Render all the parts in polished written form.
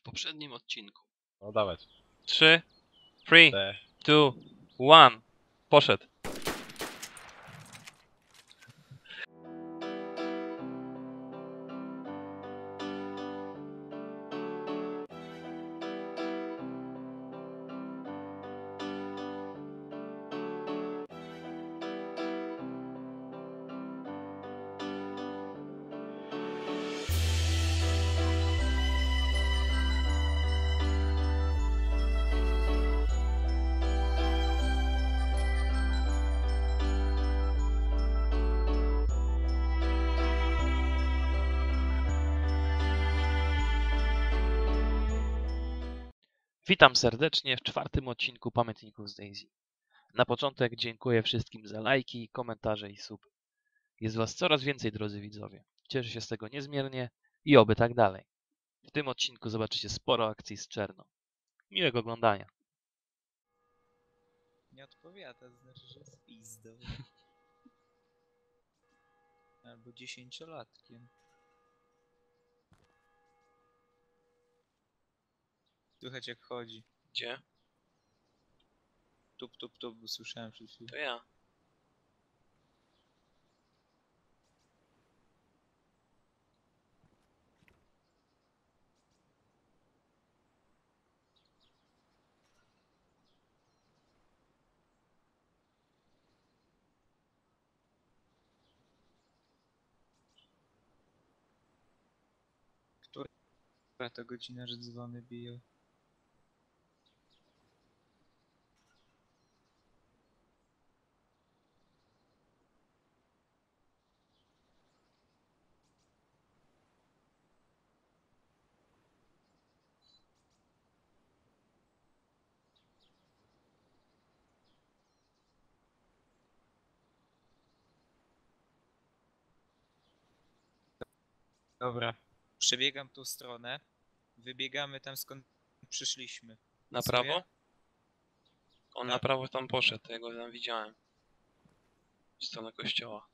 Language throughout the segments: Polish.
poprzednim odcinku. No dawać. 3, 3, Te. 2, 1. Poszedł. Witam serdecznie w czwartym odcinku Pamiętników z Daisy. Na początek dziękuję wszystkim za lajki, komentarze i suby. Jest was coraz więcej, drodzy widzowie. Cieszę się z tego niezmiernie i oby tak dalej. W tym odcinku zobaczycie sporo akcji z Czerną. Miłego oglądania. Nie odpowiada, to znaczy, że jest pizdą. Albo 10-latkiem. Słychać jak chodzi. Gdzie? Tup, tup, tup, bo słyszałem przed chwilą. To ja. Która to godzina, że dzwony biją? Dobra. Przebiegam tą stronę. Wybiegamy tam, skąd przyszliśmy. Na Pasuje? prawo? On na Tak. prawo tam poszedł, ja go tam widziałem. W stronę kościoła.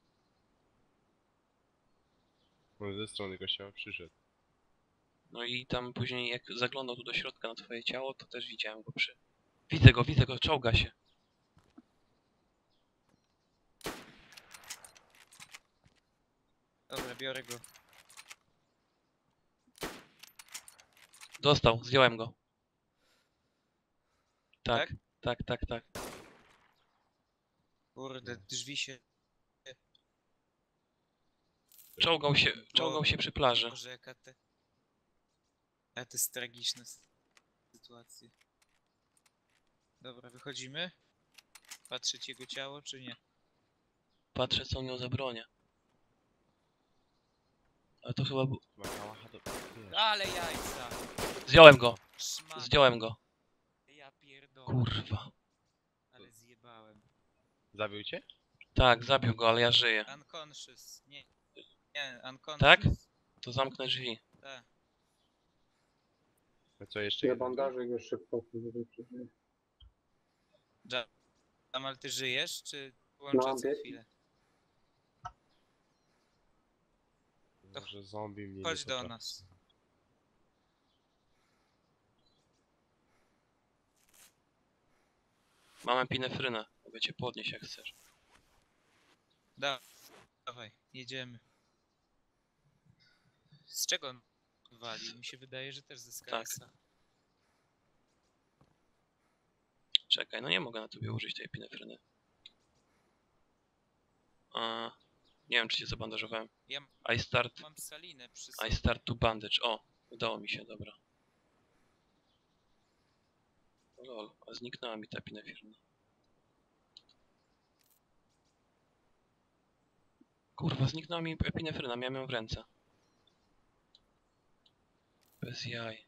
Może ze strony kościoła przyszedł. No i tam później jak zaglądał tu do środka na twoje ciało, to też widziałem go przy... Widzę go, czołga się. Dobra, biorę go. Dostał, zdjąłem go. Tak, Tak? tak. Kurde, drzwi się... Czołgał się przy plaży. Boże, jaka to jest tragiczna sytuacja. Dobra, wychodzimy? Patrzeć jego ciało, czy nie? Patrzę, co on miał za bronię. Ale to chyba... Ma kałacha do... Wiesz. Ale jajca! Zdjąłem go! Szmat. Zdjąłem go. Ja pierdolę. Kurwa. Ale zjebałem. Zabił cię? Tak, zabił go, ale ja żyję. Unconscious. Nie, unconscious. Tak? To zamknę drzwi. Tak. A co jeszcze? Ja jedno? bandażuj go szybko, żeby przeżył. Jamal, ty żyjesz, czy włączę No, co bieg- chwilę? Może zombie mnie Chodź nie do potrafi. nas. Mam epinefrynę. Mogę cię podnieść jak chcesz. Dawaj, jedziemy. Z czego on walił? Mi się wydaje, że też ze Skysa. Czekaj, no nie mogę na tobie użyć tej epinefryny. Nie wiem, czy cię zabandażowałem. Ja mam salinę przy I sobie. start to bandage. O, udało mi się, dobra. Lol, a zniknęła mi ta epinefryna. Kurwa, zniknęła mi epinefryna, miałem ją w ręce. Bez jaj.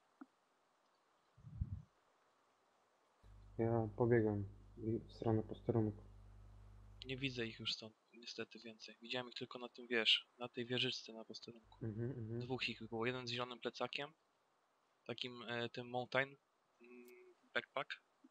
Ja pobiegam w stronę posterunku. Nie widzę ich już stąd, niestety więcej. Widziałem ich tylko na tym, wiesz, na tej wieżyczce na posterunku. Dwóch ich było, jeden z zielonym plecakiem, takim tym mountain backpack.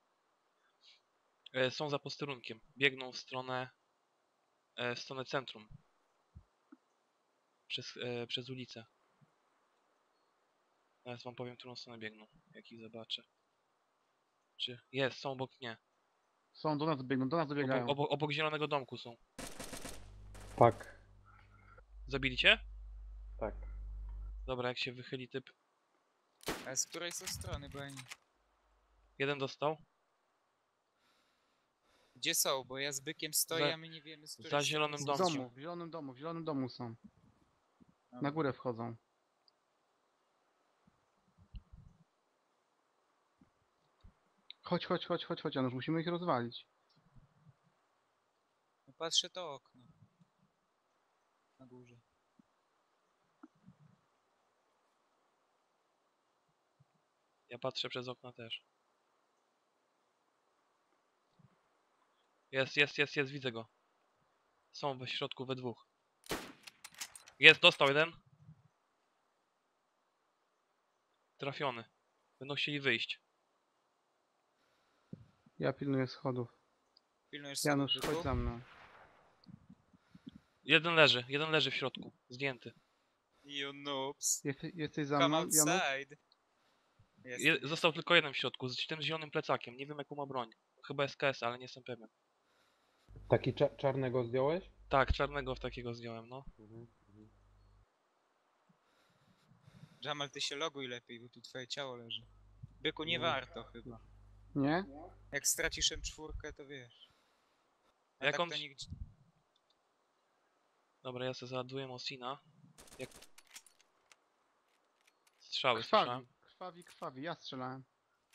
Są za posterunkiem, biegną w stronę centrum. Przez ulicę. Teraz wam powiem, którą stronę biegną, jak ich zobaczę. Czy jest, są obok mnie. Są, do nas biegną, do nas dobiegają. Obok zielonego domku są. Tak, Zabili cię? tak. Dobra, jak się wychyli typ. A z której są strony, bo ja nie... Jeden dostał. Gdzie są? Bo ja z bykiem stoję, Za- a my nie wiemy, z której za strony zielonym są. W domkiem. domu, w zielonym domu, w zielonym domu są. Na Dobra. górę wchodzą. Chodź, Janusz, musimy ich rozwalić. No patrzę to okno. Na górze. Ja patrzę przez okno też. Jest, widzę go. Są we środku we dwóch. Jest, dostał jeden. Trafiony. Będą chcieli wyjść. Ja pilnuję schodów. Pilnujesz Janusz, sobie chodź byku? za mną. Jeden leży w środku. Zdjęty. You noobs. Jesteś za Come mną, Janusz? outside. Jestem. Został tylko jeden w środku, z tym zielonym plecakiem. Nie wiem jaką ma broń. Chyba SKS, ale nie jestem pewien. Taki czarnego zdjąłeś? Tak, czarnego w takiego zdjąłem, no. Jamal, ty się loguj lepiej, bo tu twoje ciało leży. Byku, nie No. warto chyba. Nie? Jak stracisz M4, to wiesz. A Jak tak on- to nigdzie... Dobra, ja sobie załaduję Mosina. Jak... Strzały słyszałem. Krwawi, ja strzelałem.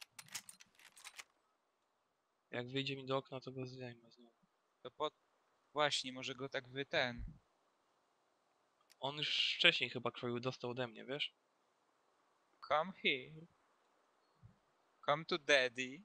Jak wyjdzie mi do okna, to go zdejmę znowu. To po... Właśnie, może go tak ten... On już wcześniej chyba krwawił, dostał ode mnie, wiesz? Come here. Come to daddy.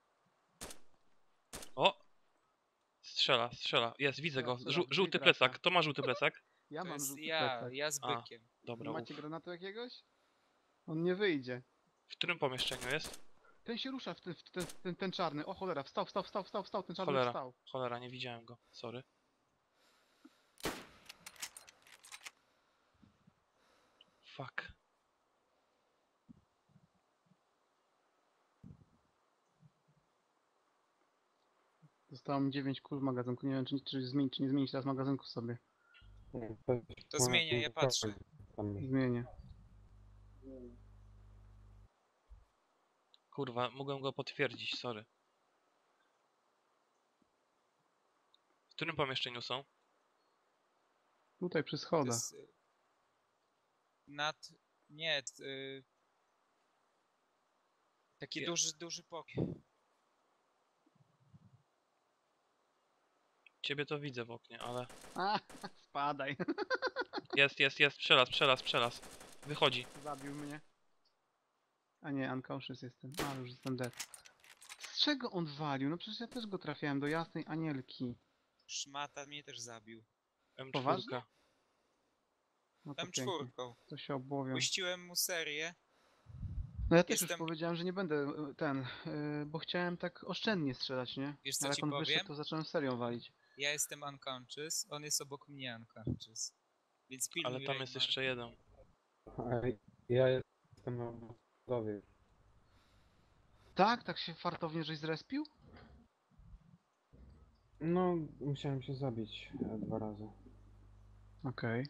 O! Strzela. Jest, widzę go. Strzela, Żółty drzwi trafia. plecak. To ma żółty plecak? Ja To mam jest żółty ja, plecak. ja z A. bykiem. Dobra, Macie uf. granatu jakiegoś? On nie wyjdzie. W którym pomieszczeniu jest? Ten się rusza, ten czarny. O cholera, wstał, ten czarny Cholera. wstał. Cholera, nie widziałem go. Sorry. Fuck. Zostało mi 9 kul w magazynku. Nie wiem, czy nie zmienić teraz magazynku sobie. To zmienię, ja patrzę. Zmienię. Kurwa, mogłem go potwierdzić, sorry. W którym pomieszczeniu są? Tutaj przy To schodach. jest... Nad... Nie, taki Je- duży pokój. Ciebie to widzę w oknie, ale... A, spadaj. Jest, przelaz. Wychodzi. Zabił mnie. A nie, unconscious jestem. A, już jestem dead. Z czego on walił? No przecież ja też go trafiałem do jasnej anielki. Szmata mnie też zabił. M4. Poważnie? No to pięknie. M4. To się obłowią. Puściłem mu serię. No ja też już Jestem- powiedziałem, że nie będę bo chciałem tak oszczędnie strzelać, nie? Wiesz, co Ale ci jak on powiem? wyszedł, to zacząłem serią walić. Ja jestem unconscious, on jest obok mnie unconscious. Więc pilnuj Ale tam jest Reimar. jeszcze jeden. Ja jestem na budowie. Tak się fartownie żeś zrespił? No, musiałem się zabić 2 razy. Okej.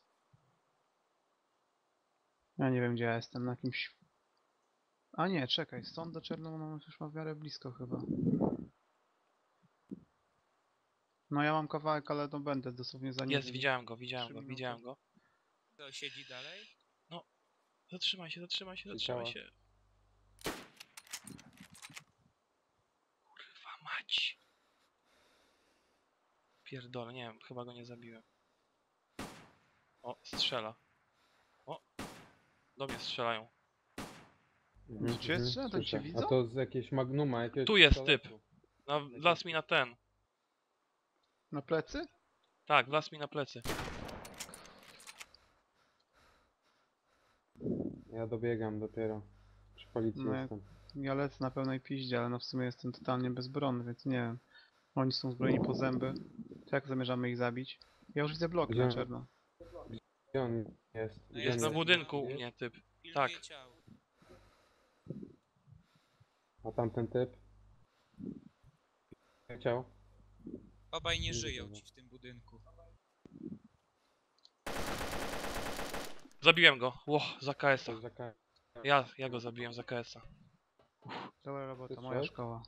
Ja nie wiem, gdzie ja jestem, na jakimś... A nie, czekaj, stąd do Czernomorza już ma w miarę blisko chyba. No ja mam kawałek, ale no będę dosłownie za nim. Jest, widziałem go. 3 minuty. To siedzi dalej? Zatrzymaj się. Ciała. Kurwa mać. Pierdolę, nie wiem, chyba go nie zabiłem. O, strzela. O, do mnie strzelają. Gdzie strzela? Tam cię Słyszę. widzą? A to z jakiegoś magnuma, jakiegoś Tu jest pistoletu. Wlazł mi na ten. Na plecy? Tak, wlazł mi na plecy. Ja dobiegam dopiero. Przy policji No ja- jestem. Ja lecę na pełnej piździe, ale no w sumie jestem totalnie bezbronny, więc nie wiem. Oni są zbrojeni po zęby. To jak zamierzamy ich zabić? Ja już widzę bloki na Gdzie? czerno. Gdzie on jest? No Gdzie Jest on na Jestem budynku na- u mnie typ. Pilnuję Tak. ciało. A tamten typ? Chciał? Obaj nie Nie żyją widzę go. ci w tym budynku. Zabiłem go. Ło, za KS-a. Coś za Ja go zabiłem za KS-a. Dobra robota, Ty moja strzelałeś? szkoła.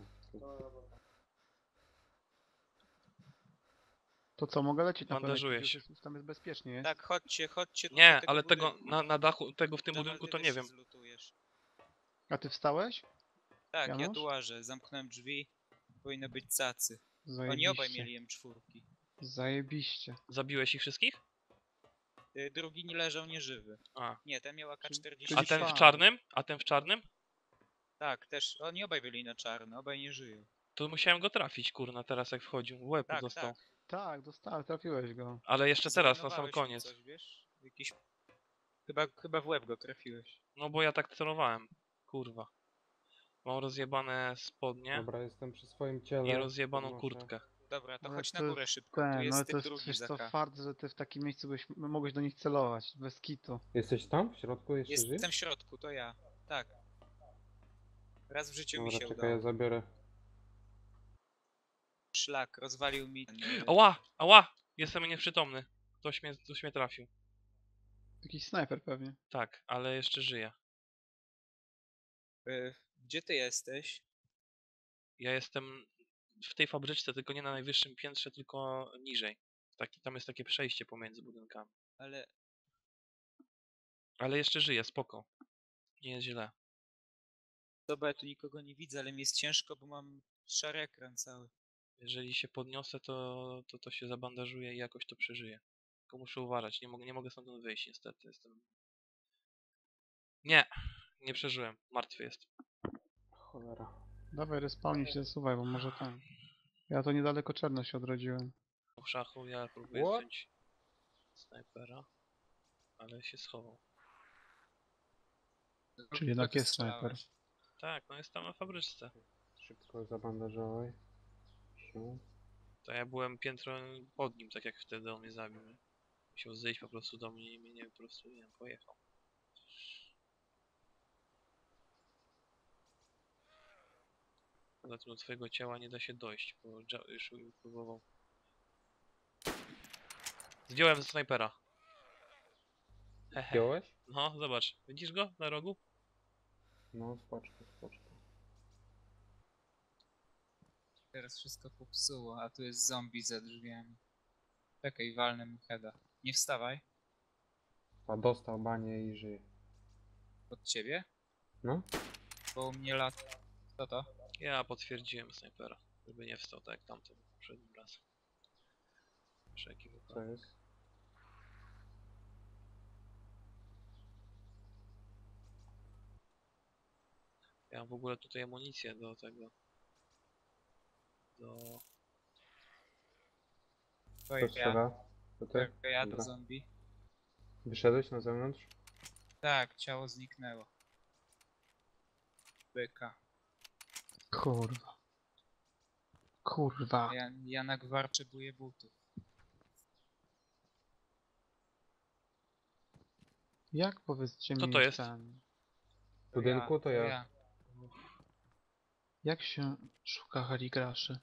To co, mogę lecieć na Bandażuję pewno? się. Tam jest bezpiecznie, jest? Tak, chodźcie tutaj do Nie, tego ale tego budynku. na dachu, tego w tym Jamal, budynku ty to też nie się wiem. zlutujesz. A ty wstałeś? Tak, ja Janusz? tu łażę, zamknąłem drzwi. Powinno być cacy. Oni Zajebiście. obaj mieli M4. Zajebiście. Zabiłeś ich wszystkich? Drugi nie leżał nieżywy. A. Nie, ten miał AK-47. A ten w Fajnie. czarnym? A ten w czarnym? Tak, też. Oni obaj byli na czarno, obaj nie żyją. To musiałem go trafić, kurna, teraz jak wchodził. W łeb Tak, dostał. tak. Tak, dostałem, trafiłeś go. Ale jeszcze teraz, na sam Zbanowałeś mi koniec. Coś, wiesz? Jakiś... Chyba w łeb go trafiłeś. No bo ja tak celowałem. Kurwa. Mam rozjebane spodnie Dobra, jestem przy swoim ciele. i rozjebaną podnoszę. kurtkę. Dobra, to Ale chodź to na górę jest szybko. Tu no jest ale to typ jest drugi wiesz za co, K. fart, że ty w takim miejscu mogłeś do nich celować, bez kitu. Jesteś tam? W środku jeszcze żyjesz? Jestem w środku, to ja. Tak. Raz w życiu mi Dobra, się czekaj, ja udało. zabiorę. Szlak, rozwalił mi ten... Ała! Ała! Jestem nieprzytomny. Ktoś mnie trafił. Jakiś snajper pewnie. Tak, ale jeszcze żyję. Gdzie ty jesteś? Ja jestem w tej fabryczce, tylko nie na najwyższym piętrze, tylko niżej. Tam jest takie przejście pomiędzy budynkami. Ale Ale jeszcze żyję, spoko. Nie jest źle. dobra, ja tu nikogo nie widzę, ale mi jest ciężko, bo mam szary ekran cały. Jeżeli się podniosę, to się zabandażuję i jakoś to przeżyję. Tylko muszę uważać, nie mogę stamtąd wyjść niestety. Nie przeżyłem. Martwy jest. Cholera. Dawaj, respawnie się zasuwaj, bo może tam. Ja to niedaleko czarno się odrodziłem. W szachu ja próbuję What? zdjąć snajpera, ale się schował. Czyli jednak Kto tu jest snajper. strzelałeś? Tak, no jest tam na fabryczce. Szybko zabandażowaj się. To ja byłem piętro pod nim, tak jak wtedy on mnie zabił. Nie? Musiał zejść po prostu do mnie i mnie po prostu, nie wiem, pojechał. Zatem do twojego ciała nie da się dojść, bo już próbował. Zdjąłem ze snajpera. Hehe. Wziąłeś? No, zobacz. Widzisz go na rogu? No, spoczko, spoczko. Teraz wszystko popsuło, a tu jest zombie za drzwiami. Czekaj, walnę mu heada. Nie wstawaj. A dostał banie i żyje. Od ciebie? No? Bo u mnie lat... Co to? Ja potwierdziłem snajpera, żeby nie wstał tak jak tamten poprzednim razem. Wszelki Co wypadek. jest? Ja mam w ogóle tutaj amunicję do tego. To Kto ja. strzela? To ty? To ja do Dobra. zombie. Wyszedłeś na zewnątrz? Tak, ciało zniknęło. Byka. Kurwa. Kurwa. Ja na gwar potrzebuję butów. Jak powiedzcie Co mi to jest? ten... W budynku to ja. Jak się szuka heligraszy?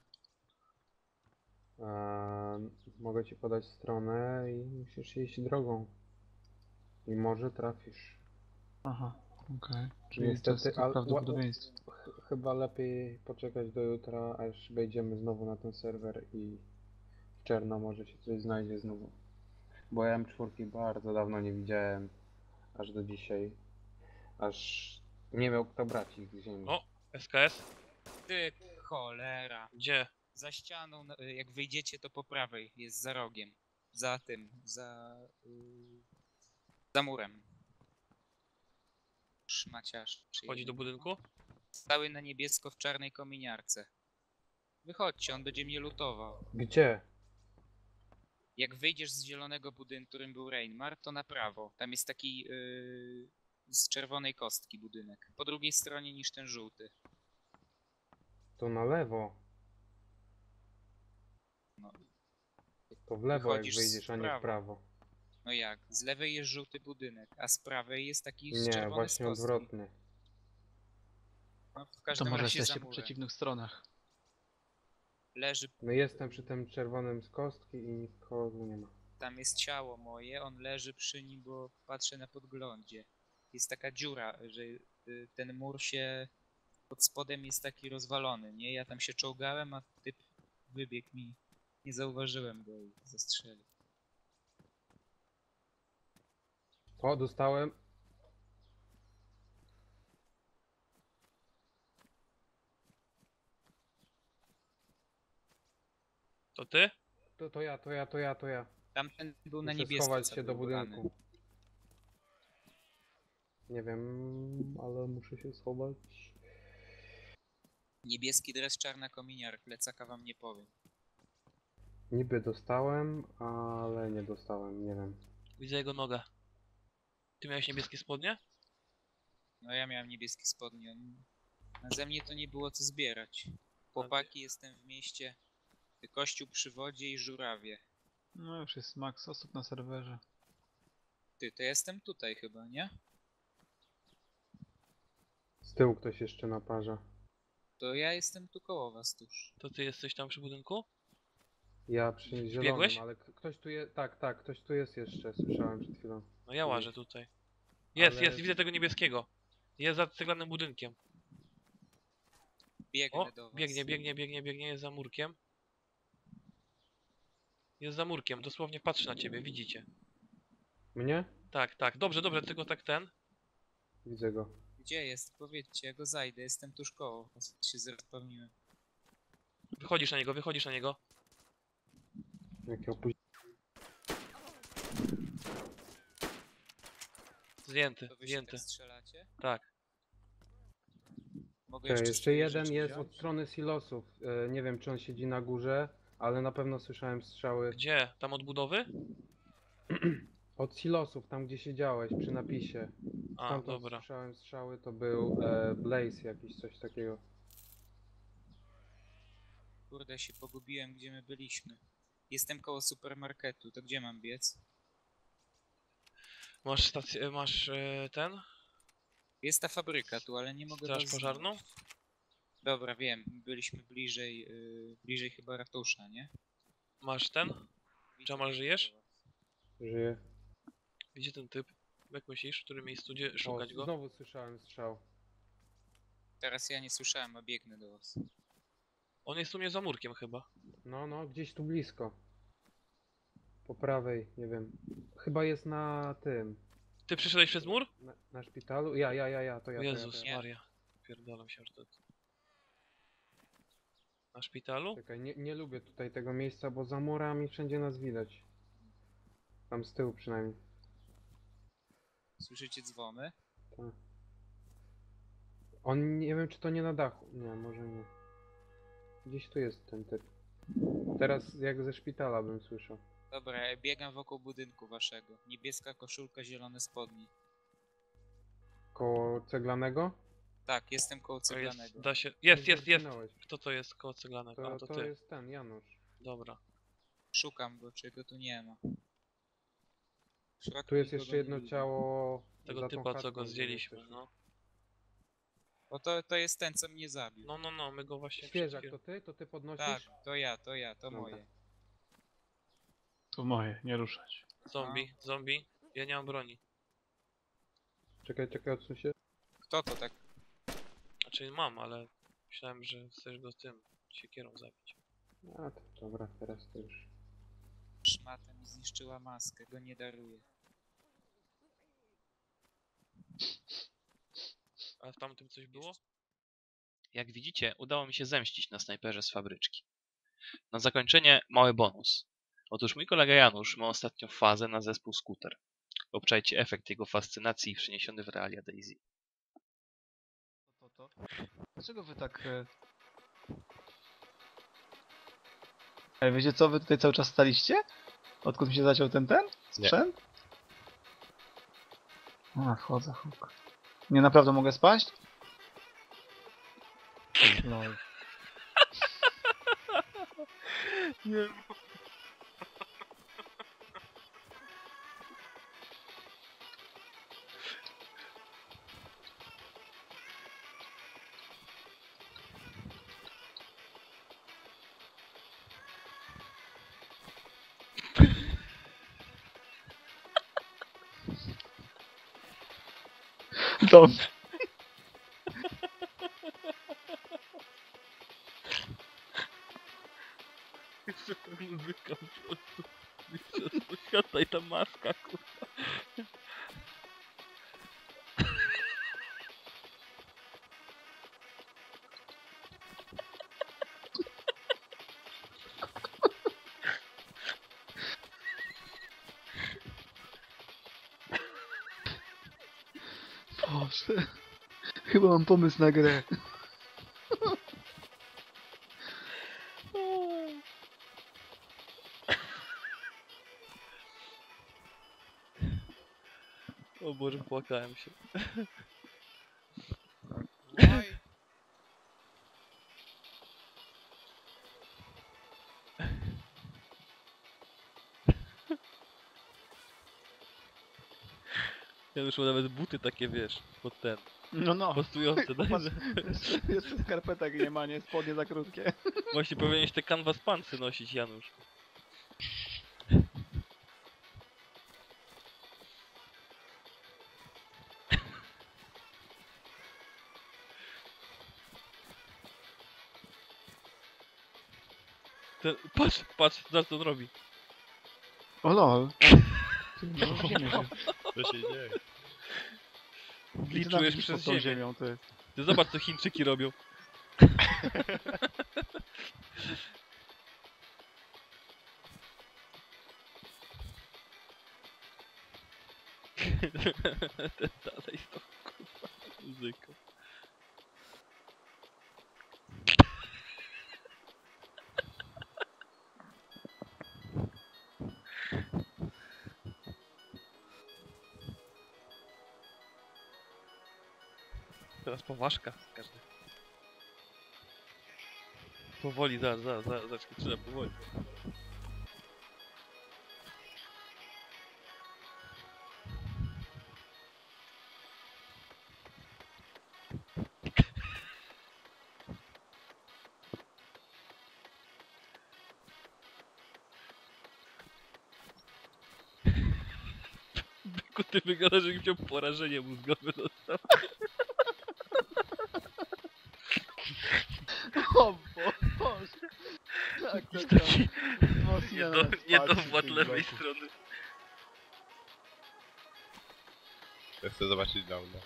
Mogę ci podać stronę i musisz iść drogą. I może trafisz. Aha, okej. Czyli to jest Niestety, tylko ale prawdopodobieństwo. chyba lepiej poczekać do jutra, aż wejdziemy znowu na ten serwer i w czerno może się coś znajdzie znowu. Bo ja M4 bardzo dawno nie widziałem, aż do dzisiaj. Aż nie miał kto brać ich z ziemi. O! SKS? Ty cholera. Gdzie? Za ścianą, jak wyjdziecie to po prawej, jest za rogiem. Za tym, za murem. Szmaciarz. Wchodzi do budynku? Stały na niebiesko w czarnej kominiarce. Wychodźcie, on będzie mnie lutował. Gdzie? Jak wyjdziesz z zielonego budynku, którym był Reinmar, to na prawo. Tam jest taki z czerwonej kostki budynek. Po drugiej stronie niż ten żółty. To na lewo. No, To w lewo jak Wychodzisz wyjdziesz, a nie w prawo. prawo. no jak? Z lewej jest żółty budynek, a z prawej jest taki z Nie, czerwony z właśnie kostki. odwrotnie. No, w To każdym może razie za jesteście po murem. przeciwnych stronach. Leży, No jestem przy tym czerwonym z kostki i nikogo tu nie ma. tam jest ciało moje, on leży przy nim, bo patrzę na podglądzie. Jest taka dziura, że ten mur się pod spodem jest taki rozwalony, nie? Ja tam się czołgałem, a typ wybiegł mi. Nie zauważyłem go i zastrzelił. O, dostałem. To ty? To ja. Tamten był na Muszę niebiesko schować się do zablokowany. budynku. Nie wiem, ale muszę się schować. Niebieski dres, czarna kominiar, plecaka wam nie powiem. Niby dostałem, ale nie dostałem, nie wiem. Widzę jego nogę. Ty miałeś niebieskie spodnie? No ja miałem niebieskie spodnie. A ze mnie to nie było co zbierać. Chłopaki, jestem w mieście. Kościół przy wodzie i żurawie. No już jest max osób na serwerze. Ty, to jestem tutaj chyba, nie? Z tyłu ktoś jeszcze naparza. To ja jestem tu koło was tuż. To ty jesteś tam przy budynku? Ja przy zielonym, Wbiegłeś? ale ktoś tu jest. Tak, ktoś tu jest jeszcze, słyszałem przed chwilą. No ja łażę tutaj. Jest, Ale- widzę tego niebieskiego. Jest za ceglanym budynkiem. Biegnę O, do was. biegnie, jest za murkiem. Jest za murkiem, dosłownie patrzy na ciebie, widzicie. Mnie? Tak, dobrze, tylko tak ten. Widzę go. Gdzie jest? Powiedzcie, ja go zajdę, jestem tuż koło was. Się zrespawniłem. Wychodzisz na niego. Jakie opóźnienie. Zdjęty, To wy się zdjęty. tak strzelacie? Tak. Mogę Jeszcze swoje jeden rzeczy jest wziąć? od strony silosów. Nie wiem, czy on siedzi na górze, ale na pewno słyszałem strzały. Gdzie? Tam od budowy? Od silosów, tam gdzie siedziałeś, przy napisie. A, Stamtąd dobra. słyszałem strzały, to był Blaze jakiś, coś takiego. Kurde, się pogubiłem, gdzie my byliśmy. Jestem koło supermarketu, to gdzie mam biec? Masz stację, masz ten? Jest ta fabryka tu, ale nie mogę Straż was pożarną? znaleźć. Dobra, wiem, byliśmy bliżej, bliżej chyba ratusza, nie? Masz ten? Widzę, Jamal, żyjesz? Żyje. Gdzie ten typ? Jak myślisz, w którym miejscu gdzie O, szukać go? znowu słyszałem strzał. Teraz ja nie słyszałem, a biegnę do was. On jest u mnie za murkiem chyba. No, gdzieś tu blisko. Po prawej, nie wiem. Chyba jest na tym. Ty przyszedłeś przez mur? Na szpitalu? Ja, to ja. O Jezus to ja. Maria. Pierdolam się aż do... Na szpitalu? Czekaj, nie lubię tutaj tego miejsca, bo za murami wszędzie nas widać. Tam z tyłu przynajmniej. Słyszycie dzwony? Tak. On, nie wiem czy to nie na dachu. Nie, może nie. Gdzieś tu jest ten typ. Teraz jak ze szpitala bym słyszał. Dobra, ja biegam wokół budynku waszego. Niebieska koszulka, zielone spodnie. Koło ceglanego? Tak, jestem koło To jest, ceglanego. da się... Gdzieś Jest! zginąłeś. Kto to jest koło ceglanego? A, to To ty. jest ten, Janusz. Dobra. Szukam go, czego tu nie ma. W środku Tu jest nikogo jeszcze nie jedno widzę. ciało. Tego za tą typa, co chatką, go gdzie zdjęliśmy, jesteś. no. Bo to jest ten, co mnie zabił. No, my go właśnie... Świeżak, przed to ty? To ty podnosisz? Tak, to ja, to Dobra. moje. To moje, nie ruszać. Zombie. Ja nie mam broni. Czekaj, odsuń się. Kto to tak? Znaczy mam, ale myślałem, że chcesz go tym siekierą zabić. A, to dobra, teraz to już. Szmata mi zniszczyła maskę, go nie daruję. A w tamtym coś było? Jak widzicie, udało mi się zemścić na snajperze z fabryczki. Na zakończenie mały bonus. Otóż mój kolega Janusz ma ostatnio fazę na zespół Scooter. Obczajcie efekt jego fascynacji przeniesiony w realia Daisy. To. Dlaczego wy tak... Wiecie co, wy tutaj cały czas staliście? Odkąd mi się zaciął ten sprzęt? A, wchodzę, huk. Nie, naprawdę mogę spaść? Lol. Nie. Dom. Jeszcze ta muzyka po prostu. Mistrzostwo świata i ta maska, kurwa. Boże. Chyba mam pomysł na grę. O Boże, płakałem się. Why? Ja już mam nawet buty takie, wiesz, pod ten, No. pasujące. Popatrz, jeszcze skarpetek nie ma, nie? Spodnie za krótkie. Właśnie powinieneś te canvas pantsy nosić, Janusz. Patrz, patrz, co on robi. O lol. Co się dzieje? Gliczujesz przez pod tą ziemię. ziemią, to jest. Ty zobacz, co Chińczyki robią. Dalej z tą kurwa muzyką. Teraz poważka każdy. Powoli, zaraz, trzeba powoli. Byku, ty wyglądasz, jakbyś miał porażenie mózgowe dostał. O Boże. Tak, Jakiś tak, taki wzmocnione niedowład wsparcie lewej tych strony. Ja chcę zobaczyć downa.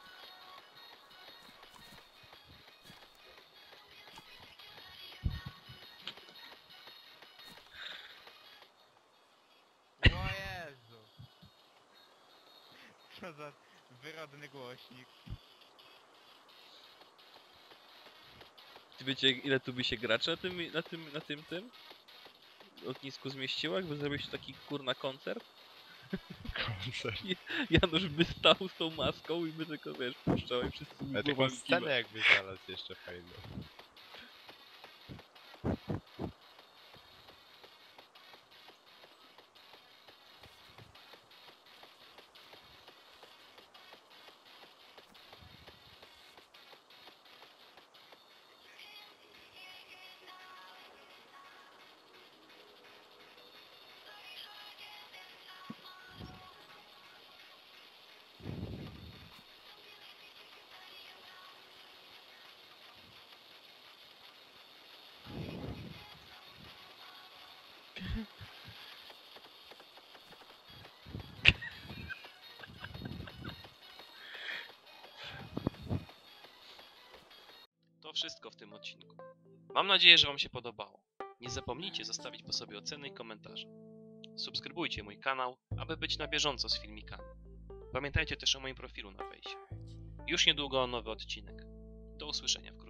O Jezu. Co za wyrodny głośnik. Czy wiecie, ile tu by się graczy na tym lotnisku zmieściło, jakby zrobić taki kurna koncert? Koncert. Janusz by stał z tą maską i by tylko, wiesz, puszczał i wszyscy by Ale taką głowami scenę kiwali. jakby znalazł jeszcze fajną. To wszystko w tym odcinku. Mam nadzieję, że Wam się podobało. Nie zapomnijcie zostawić po sobie oceny i komentarze. Subskrybujcie mój kanał, aby być na bieżąco z filmikami. Pamiętajcie też o moim profilu na fejsie. Już niedługo nowy odcinek. Do usłyszenia wkrótce.